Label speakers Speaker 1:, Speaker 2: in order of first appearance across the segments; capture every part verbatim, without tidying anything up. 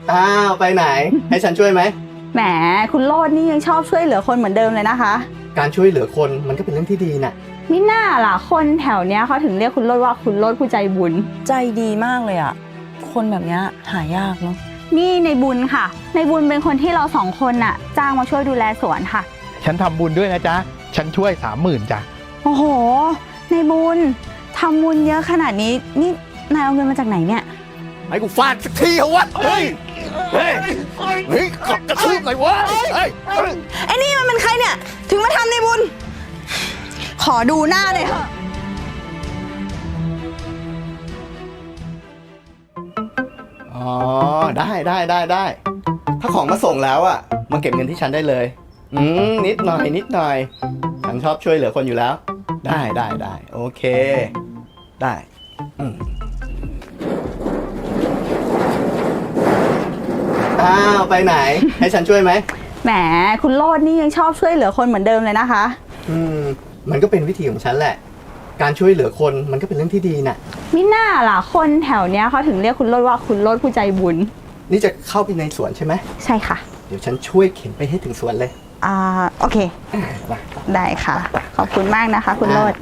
Speaker 1: อ้าวไปไหนให้ฉันช่วยไหม
Speaker 2: แหมคุณโลดนี่ยังชอบช่วยเหลือคนเหมือนเดิมเลยนะคะ
Speaker 1: การช่วยเหลือคนมันก็เป็นเรื่องที่ดีน่ะ
Speaker 2: มิน่าล่ะคนแถวเนี้ยเขาถึงเรียกคุณโลดว่าคุณโลดผู้ใจบุญ
Speaker 3: ใจดีมากเลยอ่ะคนแบบนี้หายากเนาะ
Speaker 2: นี่ในบุญค่ะในบุญเป็นคนที่เราสองคนน่ะจ้างมาช่วยดูแลสวนค่ะ
Speaker 4: ฉันทำบุญด้วยนะจ๊ะฉันช่วยสามหมื่นจ้ะ
Speaker 2: โอ้โหในบุญทำบุญเยอะขนาดนี้นี่นายเอาเงินมาจากไหนเนี่ย
Speaker 1: ให้กูฟาดสักทีเหรอวะเฮ้ยเฮ้ยเฮ้ยกดกระทืบหน่อยวะเฮ้ย
Speaker 3: ไอ้นี่มันเป็นใครเนี่ยถึงมาทำในบุญขอดูหน้าเลยเถอะ
Speaker 1: อ๋อได้ได้ได้ได้ถ้าของมาส่งแล้วอ่ะมาเก็บเงินที่ฉันได้เลยอืมนิดหน่อยนิดหน่อยฉันชอบช่วยเหลือคนอยู่แล้วได้ได้ได้โอเคได้อืมอ้าวไปไหนให้ฉันช่วยไหม
Speaker 2: แหมคุณโลดนี่ยังชอบช่วยเหลือคนเหมือนเดิมเลยนะคะ
Speaker 1: อืมมันก็เป็นวิธีของฉันแหละการช่วยเหลือคนมันก็เป็นเรื่องที่ดีน่ะ
Speaker 2: มิน่าล่ะคนแถวเนี้ยเขาถึงเรียกคุณโลดว่าคุณโลดผู้ใจบุญ
Speaker 1: นี่จะเข้าไปในสวนใช่ไหม
Speaker 2: ใช่ค่ะ
Speaker 1: เดี๋ยวฉันช่วยเข็นไปให้ถึงสวนเลย
Speaker 2: อ่าโอเคได้ค่ะขอบคุณมากนะคะคุณโลด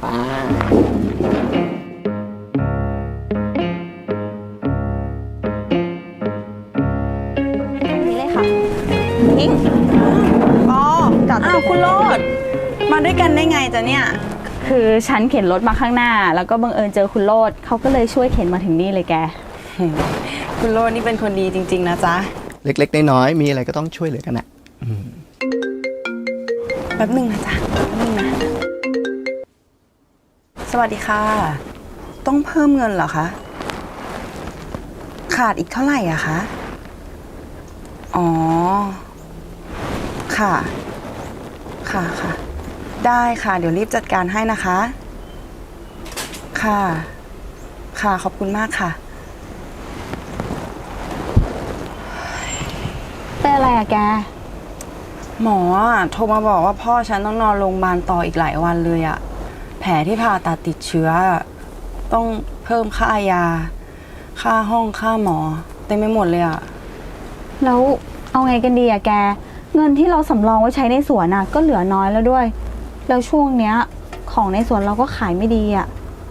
Speaker 2: นี่เลยค่ะอิง
Speaker 3: อ๋ออ้าวคุณโลดมาด้วยกันได้ไงจ๊ะเนี่ย
Speaker 2: คือฉันเข็นรถมาข้างหน้าแล้วก็บังเอิญเจอคุณโลดเขาก็เลยช่วยเข็นมาถึงนี่เลยแก
Speaker 3: คุณโลดนี่เป็นคนดีจริงๆนะจ๊ะ
Speaker 1: เล็กๆน้อยๆมีอะไรก็ต้องช่วยเหลือกันนะ
Speaker 3: แป๊บนึงนะจ๊ะแป๊บนึงนะสวัสดีค่ะต้องเพิ่มเงินเหรอคะขาดอีกเท่าไหร่อะคะอ๋อค่ะค่ะค่ะได้ค่ะเดี๋ยวรีบจัดการให้นะคะค่ะค่ะขอบคุณมากค่ะ
Speaker 2: เป็นอะไรอะแก
Speaker 3: หมอโทรมาบอกว่าพ่อฉันต้องนอนโรงพยาบาลต่ออีกหลายวันเลยอะแผลที่ผ่าตัดติดเชื้อต้องเพิ่มค่ายาค่าห้องค่าหมอเต็มไปหมดเลยอะ
Speaker 2: แล้วเอาไงกันดีอะแกเงินที่เราสำรองไว้ใช้ในสวนอะก็เหลือน้อยแล้วด้วยแล้วช่วงเนี้ยของในสวนเราก็ขายไม่ดีอะ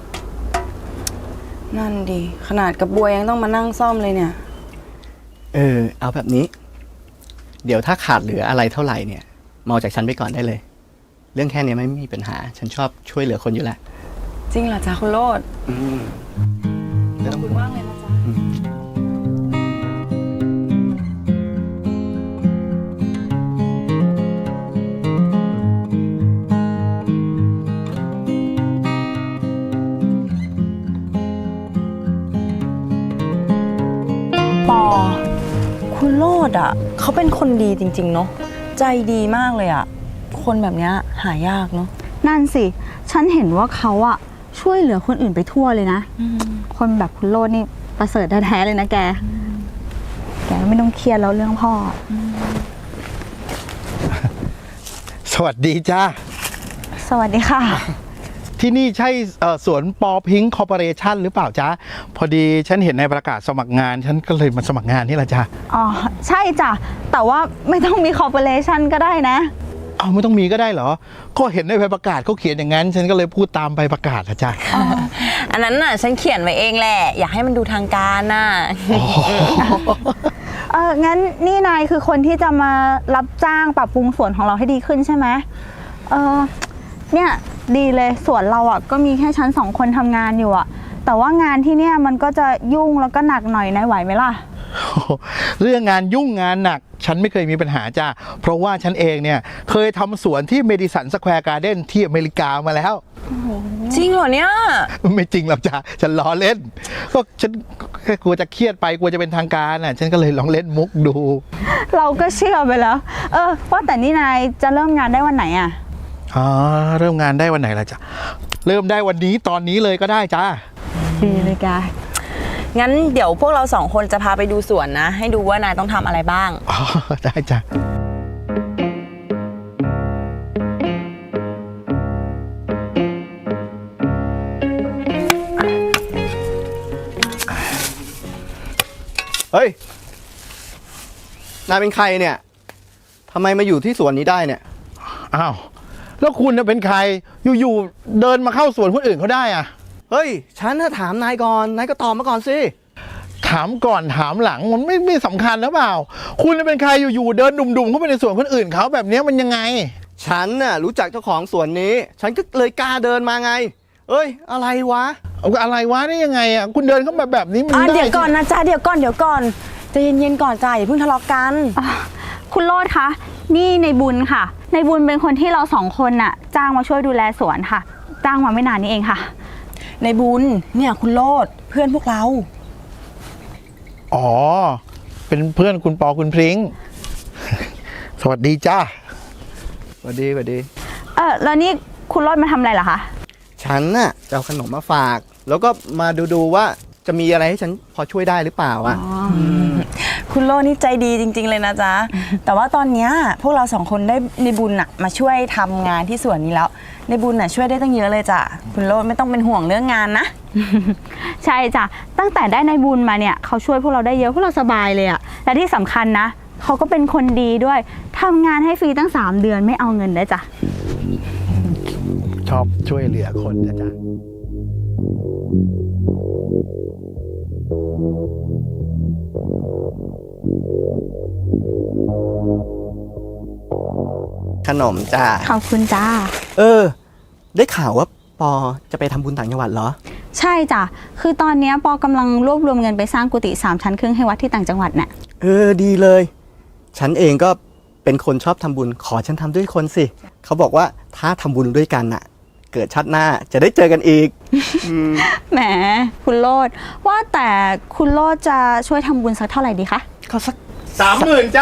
Speaker 3: นั่นดีขนาดกระบวยยังต้องมานั่งซ่อมเลยเนี่ย
Speaker 1: เออเอาแบบนี้เดี๋ยวถ้าขาดเหลืออะไรเท่าไหร่เนี่ยมาจากฉันไปก่อนได้เลยเรื่องแค่นี้ไม่มีปัญหาฉันชอบช่วยเหลือคนอยู่แล้ว
Speaker 3: จริงเหรอจ๊ะคุณโลด
Speaker 1: อืม
Speaker 3: ขอบคุณมากเลยนะจ๊ะปอคุณโลดอ่ะเขาเป็นคนดีจริงๆเนาะใจดีมากเลยอ่ะคนแบบนี้หายากเนาะ
Speaker 2: นั่นสิฉันเห็นว่าเขาอะช่วยเหลือคนอื่นไปทั่วเลยนะคนแบบคุณโลดนี่ประเสริฐแท้ๆเลยนะแกแกไม่ต้องเครียดแล้วเรื่องพ่อ
Speaker 4: สวัสดีจ้า
Speaker 2: สวัสดีค่ะ
Speaker 4: ที่นี่ใช่สวนปอพิงค์คอร์ปอเรชั่นหรือเปล่าจ๊ะพอดีฉันเห็นในประกาศสมัครงานฉันก็เลยมาสมัครงานนี่แหละจ้ะ
Speaker 2: อ๋อใช่จ้ะแต่ว่าไม่ต้องมีคอร์ปอเรชั่นก็ได้นะ
Speaker 4: เอาไม่ต้องมีก็ได้เหรอก็เห็นในใบประกาศเขาเขียนอย่างนั้นฉันก็เลยพูดตามใบประกาศนะจ๊ะ
Speaker 3: อันนั้นน่ะฉันเขียนไว้เองแหละอยากให้มันดูทางการน่ะ
Speaker 2: เอองั้นนี่นายคือคนที่จะมารับจ้างปรับปรุงสวนของเราให้ดีขึ้นใช่ไหมเออเนี่ยดีเลยสวนเราอ่ะก็มีแค่ชั้นสองคนทำงานอยู่อ่ะแต่ว่างานที่เนี่ยมันก็จะยุ่งแล้วก็หนักหน่อยนายไหวไหมล่ะ
Speaker 4: เรื่องงานยุ่งงานหนักฉันไม่เคยมีปัญหาจ้าเพราะว่าฉันเองเนี่ยเคยทำสวนที่เมดิสันสแควร์การ์เด้นที่อเมริกามาแล้ว
Speaker 3: จริงเหรอเนี่ย
Speaker 4: ไม่จริงหรอกจ้าฉันล้อเล่นก็ฉันแค่กลัวจะเครียดไปกลัวจะเป็นทางการน่ะฉันก็เลยลองเล่นมุกดู
Speaker 2: เราก็เชื่อไปแล้วเออว่าแต่นี่นายจะเริ่มงานได้วันไหนอ่ะ
Speaker 4: อ๋อเริ่มงานได้วันไหนล่ะจ้ะเริ่มได้วันนี้ตอนนี้เลยก็ได้จ้า
Speaker 2: ดีเลยกา
Speaker 3: งั้นเดี๋ยวพวกเราสองคนจะพาไปดูสวนนะให้ดูว่านายต้องทำอะไรบ้าง
Speaker 4: อ๋อได้จ้ะ
Speaker 1: เฮ้ยนายเป็นใครเนี่ยทำไมมาอยู่ที่สวนนี้ได้เนี่ย
Speaker 4: อ้าวแล้วคุณน่ะเป็นใครอยู่ๆเดินมาเข้าสวนคนอื่นเขาได้อะ
Speaker 1: เฮ้ยฉันน่ะถามนายก่อนนายก็ตอบมาก่อนสิ
Speaker 4: ถามก่อนถามหลังมันไม่ไม่สำคัญหรือเปล่า คุณน่ะเป็นใครอยู่ๆเดินดุ่มๆเข้าไปในสวนคนอื่นเขาแบบเนี้ยมันยังไง
Speaker 1: ฉันน่ะรู้จักเจ้าของสวนนี้ ฉันก็เลยกล้าเดินมาไง เอ้ยอะไรวะ
Speaker 4: เอาอะไรวะนี่ยังไงอ่ะคุณเดินเข้ามาแบบนี้มัน
Speaker 3: อ่ะ
Speaker 4: ได้
Speaker 3: เดี๋ยวก่อนนะจ๊ะเดี๋ยวก่อนเดี๋ยวก่อนใจะเย็นๆก่อนจ้าอย่าเพิ่งทะเลาะกัน
Speaker 2: อ่ะคุณโลดคะ นี่ในบุญค่ะ ในบุญเป็นคนที่เราสองคนน่ะ จ้างมาช่วยดูแลสวนค่ะ จ้างมาไม่นานนี้เองค่ะ
Speaker 3: ในบุญเนี่ยคุณโลดเพื่อนพวกเรา
Speaker 4: อ๋อเป็นเพื่อนคุณปอคุณพริ้ง สวัสดีจ้า
Speaker 1: สวัสดีสวัสดี
Speaker 2: เออแล้วนี่คุณโลดมาทำอะไรเหรอคะ
Speaker 1: ฉันน่ะจะเอาขนมมาฝาก แล้วก็มาดูดูว่าจะมีอะไรให้ฉันพอช่วยได้หรือเปล่าอ่ะ
Speaker 3: คุณโลดนี่ใจดีจริง ๆ เลยนะจ๊ะ แต่ว่าตอนเนี้ยพวกเราสองคนได้ในบุญน่ะมาช่วยทำงานที่สวนนี้แล้ว ในบุญน่ะช่วยได้ตั้งเยอะเลยจ้ะคุณโลดไม่ต้องเป็นห่วงเรื่องงานนะ
Speaker 2: ใช่จ้ะ ตั้งแต่ได้ในบุญมาเนี่ยเขาช่วยพวกเราได้เยอะพวกเราสบายเลยอะและที่สำคัญนะเขาก็เป็นคนดีด้วยทำงานให้ฟรีตั้งสามเดือนไม่เอาเงินได้วยจ้ะ
Speaker 4: ชอบช่วยเหลือคนนะจ๊ะ
Speaker 1: ขนมจ้า
Speaker 2: ขอบคุณจ้า
Speaker 1: เออ ได้ข่าวว่าปอจะไปทำบุญต่างจังหวัดเหรอ
Speaker 2: ใช่จ้ะ คือตอนเนี้ยปอกำลังรวบรวมเงินไปสร้างกุฏิสามชั้นครึ่งให้วัดที่ต่างจังหวัดน่ะ
Speaker 1: เออดีเลย ฉันเองก็เป็นคนชอบทำบุญ ขอฉันทำด้วยคนสิ เขาบอกว่าถ้าทำบุญด้วยกันน่ะ เกิดชาติหน้าจะได้เจอกันอีก
Speaker 2: แหมคุณโลดว่าแต่คุณโลดจะช่วยทำบุญสักเท่าไหร่ดีคะ
Speaker 1: ก็สัก
Speaker 4: สามหมื่นจ้า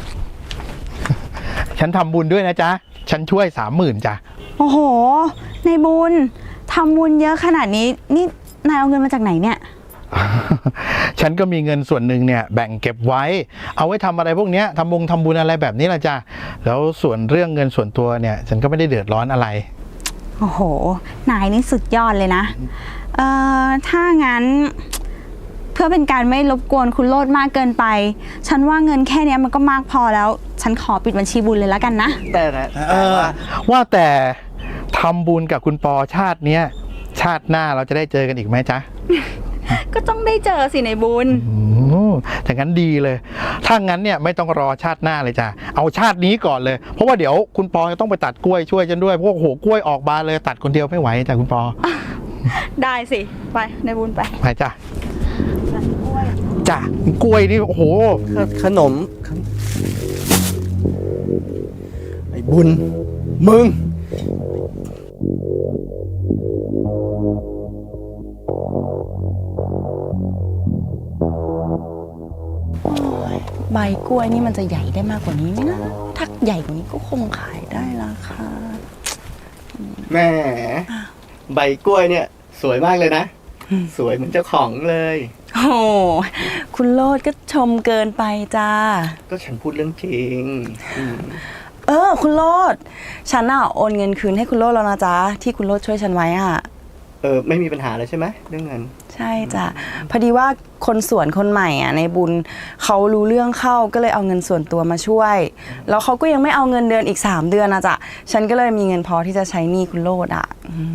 Speaker 4: ฉันทำบุญด้วยนะจ๊ะ ฉันช่วยสามหมื่นจ้ะ
Speaker 2: โอ้โห ในบุญทำบุญเยอะขนาดนี้นี่นายเอาเงินมาจากไหนเนี่ย
Speaker 4: ฉันก็มีเงินส่วนหนึ่งเนี่ยแบ่งเก็บไว้ เอาไว้ทำอะไรพวกเนี้ยทำบงทำบุญอะไรแบบนี้ละจ้ะ แล้วส่วนเรื่องเงินส่วนตัวเนี่ย ฉันก็ไม่ได้เดือดร้อนอะไร
Speaker 2: โอ้โห นายนี่สุดยอดเลยนะ เอ่อ ถ้างั้น เพื่อเป็นการไม่รบกวนคุณโลดมากเกินไป ฉันว่าเงินแค่เนี้ยมันก็มากพอแล้ว ฉันขอปิดบัญชีบุญเลยแล้วกันนะ
Speaker 1: แต่นะ
Speaker 4: เอ
Speaker 1: แต่
Speaker 4: อ
Speaker 1: ว่า
Speaker 4: ว่าแต่ทำบุญกับคุณปอชาติเนี้ยชาติหน้าเราจะได้เจอกันอีกไหมจ๊ะ
Speaker 2: ก็ต้องได้เจอสิในบุญ
Speaker 4: อืมแต่งั้นดีเลย ถ้างั้นเนี่ยไม่ต้องรอชาติหน้าเลยจ้ะ เอาชาตินี้ก่อนเลย เพราะว่าเดี๋ยวคุณปอจะต้องไปตัดกล้วยช่วยฉันด้วย เพราะว่าโอ้โหกล้วยออกบานเลยตัดคนเดียวไม่ไหวจ้ะคุณปอ
Speaker 2: ได้สิ ไปในบุญไป
Speaker 4: ไปจ้ะจ้ะกล้วยนี่โอ้โห
Speaker 1: ขนม ไอ้บุญ มึง
Speaker 3: ใบกล้วยนี่มันจะใหญ่ได้มากกว่านี้ไหมนะ ถ้าใหญ่กว่านี้ก็คงขายได้ราคา
Speaker 1: แหมใบกล้วยเนี่ย สวยมากเลยนะ สวยเหมือนเจ้าของเลย
Speaker 3: โอ้โหคุณโลดก็ชมเกินไปจ้า
Speaker 1: ก็ฉันพูดเรื่องจริงอืม
Speaker 3: เออ คุณโลด ฉันน่ะโอนเงินคืนให้คุณโลดแล้วนะจ๊ะ ที่คุณโลดช่วยฉันไว้อ่ะ
Speaker 1: เออ ไม่มีปัญหาเลยใช่ไหมเรื่องเงิน
Speaker 3: ใช่จ้ะ พอดีว่าคนสวนคนใหม่อ่ะในบุญเขารู้เรื่องเข้าก็เลยเอาเงินส่วนตัวมาช่วย แล้วเขาก็ยังไม่เอาเงินเดือนอีกสามเดือนนะจ๊ะ ฉันก็เลยมีเงินพอที่จะใช้หนี้คุณโลดอ่ะ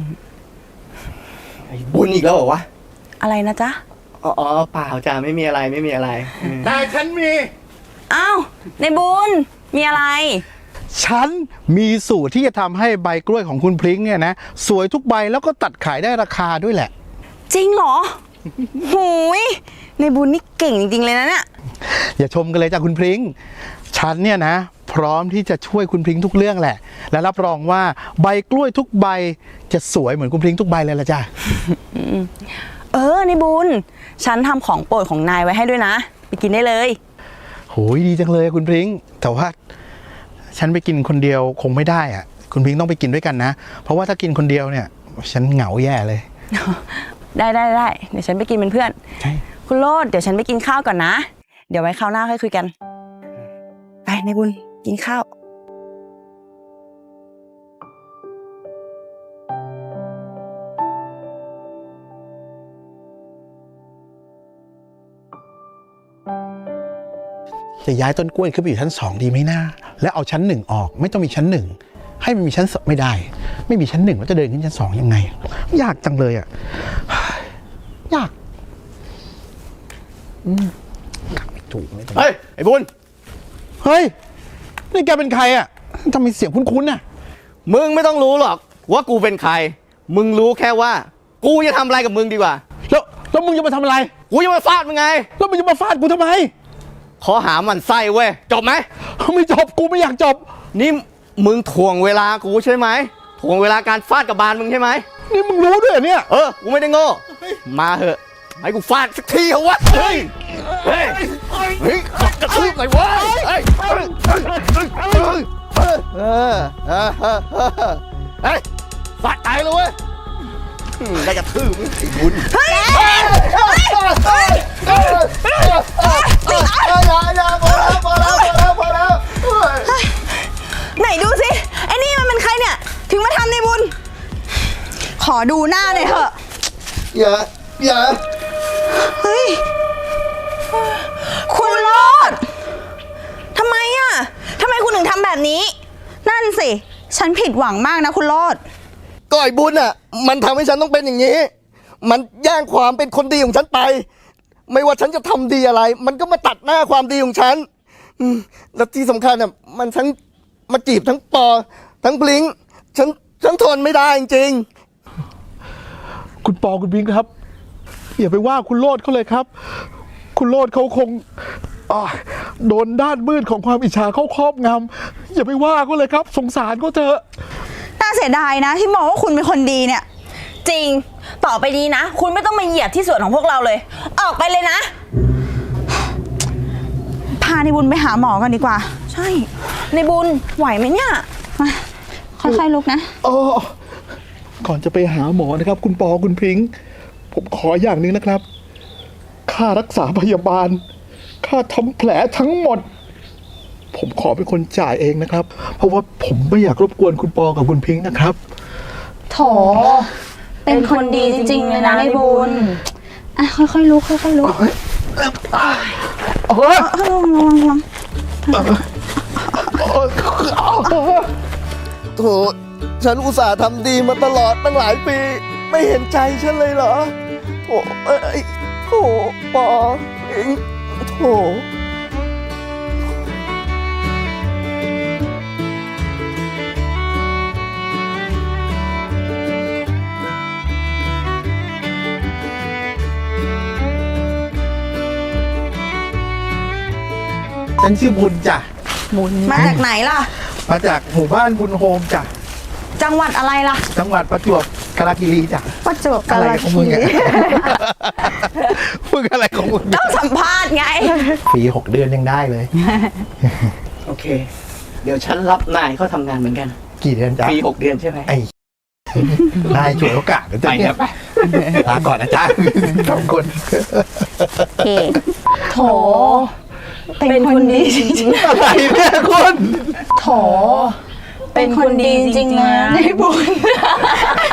Speaker 1: ไอ้บุญอีกแล้วเหรอวะ
Speaker 3: อะไรนะจ๊ะ
Speaker 1: อ๋ออ๋อเปล่าจ้าไม่มีอะไรไม่มีอะไรเออ
Speaker 4: แต่ฉันมี
Speaker 3: อ้าว ในบุญมีอะไร
Speaker 4: ฉันมีสูตรที่จะทำให้ใบกล้วยของคุณพริ้งเนี่ยนะ สวยทุกใบแล้วก็ตัดขายได้ราคาด้วยแหละ
Speaker 3: จริงเหรอ หูย ในบุญนี่เก่งจริงๆเลยนะเนี่ย
Speaker 4: อย่าชมกันเลยจ้ะคุณพริ้ง ฉันเนี่ยนะ พร้อมที่จะช่วยคุณพริ้งทุกเรื่องแหละ และรับรองว่าใบกล้วยทุกใบจะสวยเหมือนคุณพริ้งทุกใบเลยละจ้ะ
Speaker 3: เออ ในบุญ ฉันทำของโปรดของนายไว้ให้ด้วยนะ ไปกินได้เลย
Speaker 4: โหยดีจังเลยคุณพริ้ง แต่ว่าฉันไปกินคนเดียวคงไม่ได้อะคุณพริ้งต้องไปกินด้วยกันนะ เพราะว่าถ้ากินคนเดียวเนี่ย ฉันเหงาแย่เลย
Speaker 3: ได้ได้ได้เดี๋ยวฉันไปกินเป็นเพื่อน
Speaker 4: ใช่
Speaker 3: คุณโลดเดี๋ยวฉันไปกินข้าวก่อนนะ เดี๋ยวไว้คราวหน้าค่อยคุยกัน ไปในบุญกินข้าว
Speaker 4: จะย้ายต้นกล้วยขึ้นไปอยู่ชั้นสองดีไหมนะแล้วเอาชั้นหนึ่งออกไม่ต้องมีชั้นหนึ่งให้มันมีชั้นสองไม่ได้ ไม่มีชั้นหนึ่งแล้วจะเดินขึ้นชั้นสองยังไง ยากจังเลยอ่ะยากอืมไม่ถูกไม่ถูก
Speaker 1: เฮ้ย ไอ้บุญ
Speaker 4: เฮ้ยนี่แกเป็นใครอ่ะทำไมเสียงคุ้นๆน่ะ
Speaker 1: มึงไม่ต้องรู้หรอกว่ากูเป็นใคร มึงรู้แค่ว่า กูจะทำอะไรกับมึงดีกว่า
Speaker 4: แล้วแล้วมึงจะมาทำอะไร
Speaker 1: กูจะมาฟาดมึงไง
Speaker 4: แล้วมึงจะมาฟาดกูทำไม
Speaker 1: ขอหามันไส้เว้ย จบไหม
Speaker 4: ไม่จบกูไม่อยากจบ
Speaker 1: นี่มึงถ่วงเวลากูใช่ไหมถ่วงเวลาการฟาดกับบานมึงใช่ไหม
Speaker 4: นี่มึงรู้ด้วยเหรอเนี่ย
Speaker 1: เออ กูไม่ได้โง่ มาเหอะ ให้กูฟาดสักทีเหรอวะ เฮ้ย เฮ้ย เฮ้ยกระทืบหน่อยวะเฮ้ยเฮ้ยเฮ้ยเฮ้ยเฮ้ยเออเออเออเออเฮ้ยฟาดตายเลยเว้ยอืมได้กระทืบมึงไอ้บุญเฮ้ยเฮ้ยเฮ้ยเฮ้ยเฮ้ยเฮ้ยอย่าอย่าพอแล้วพอแล้วพอแล้วพอแล้ว
Speaker 2: ไหนดูสิไอ้นี่มันเป็นใครเนี่ย ถึงมาทำในบุญ ขอดูหน้าหน่อยเถอะ
Speaker 1: อย่าอย่า
Speaker 2: เฮ้ย คุณโรดทำไมอ่ะทำไมคุณถึงทำแบบนี้ นั่นสิ ฉันผิดหวังมากนะคุณโรด
Speaker 1: ก็ไอ้บุญอ่ะ มันทำให้ฉันต้องเป็นอย่างนี้ มันแย่งความเป็นคนดีของฉันไป ไม่ว่าฉันจะทำดีอะไร มันก็มาตัดหน้าความดีของฉันอืมแล้วที่สำคัญอ่ะ มันทั้งมาจีบทั้งปอ ทั้งบลิงฉันฉันทนไม่ได้จริง
Speaker 4: คุณปอคุณบิงครับอย่าไปว่าคุณโลดเขาเลยครับ คุณโลดเขาคงอ่าโดนด้านมืดของความอิจฉาเข้าครอบงำอย่าไปว่าเขาเลยครับ สงสารเขาเถอะ
Speaker 2: น่าเสียดายนะ ที่มองว่าคุณเป็นคนดีเนี่ย
Speaker 5: จริง ต่อไปนี้นะ คุณไม่ต้องมาเหยียบที่ส่วนของพวกเราเลย ออกไปเลยนะ
Speaker 2: พาในบุญไปหาหมอกันดีกว่า
Speaker 5: ใช่ ในบุญไหวไหมเนี่ย
Speaker 2: มาค่อยๆลุกนะ
Speaker 4: อ๋อก่อนจะไปหาหมอนะครับ คุณปอคุณพิงค์ผมขออย่างหนึ่งนะครับ ค่ารักษาพยาบาล ค่าทำแผลทั้งหมด ผมขอเป็นคนจ่ายเองนะครับ เพราะว่าผมไม่อยากรบกวนคุณปอกับคุณพิงค์นะครับ
Speaker 2: โถ เป็นคนดีจริงๆเลยนะในบุญ อ่ะค่อยๆลุกค่อยๆลุก
Speaker 4: โอ้ย
Speaker 2: ระวังระวังระวัง
Speaker 1: ๆ โถ ฉันอุตส่าห์ทำดีมาตลอดตั้งหลายปี ไม่เห็นใจฉันเลยเหรอโถเอ้ยโถปอเองโถ
Speaker 4: ฉันชื่อบุญจ้ะ
Speaker 2: มาจากไหนล่ะ
Speaker 4: มาจากหมู่บ้านบุญโฮมจ้ะ
Speaker 2: จังหวัดอะไรล่ะ
Speaker 4: จังหวัดประจวบกาฬคีรีจ้ะ
Speaker 2: ประจวบกา
Speaker 4: อะไร
Speaker 2: ฬ
Speaker 4: ของ
Speaker 2: คี
Speaker 4: มึง
Speaker 2: รี
Speaker 4: อะมึงอะไรของมึง
Speaker 2: ต้องสัมภาษณ์ไง
Speaker 4: ฟรีหกเดือนยังได้เลย
Speaker 1: โอเค เดี๋ยวฉันรับนายเขาทำงานเหมือนกัน
Speaker 4: กี่เดือนจ้ะ
Speaker 1: ปีหกเดือนใช่ไหม
Speaker 4: ไอ้นายช่วยโอกาสเดี๋ยวจะ
Speaker 1: ไปครับ
Speaker 4: ลาก่อนนะจ๊ะสองคน
Speaker 2: โอเค โถ
Speaker 5: เป็นคนดีจริง
Speaker 4: อะไรเนี่ยคุณ
Speaker 2: โถ เป็นคนดีจริงๆนะในบุญ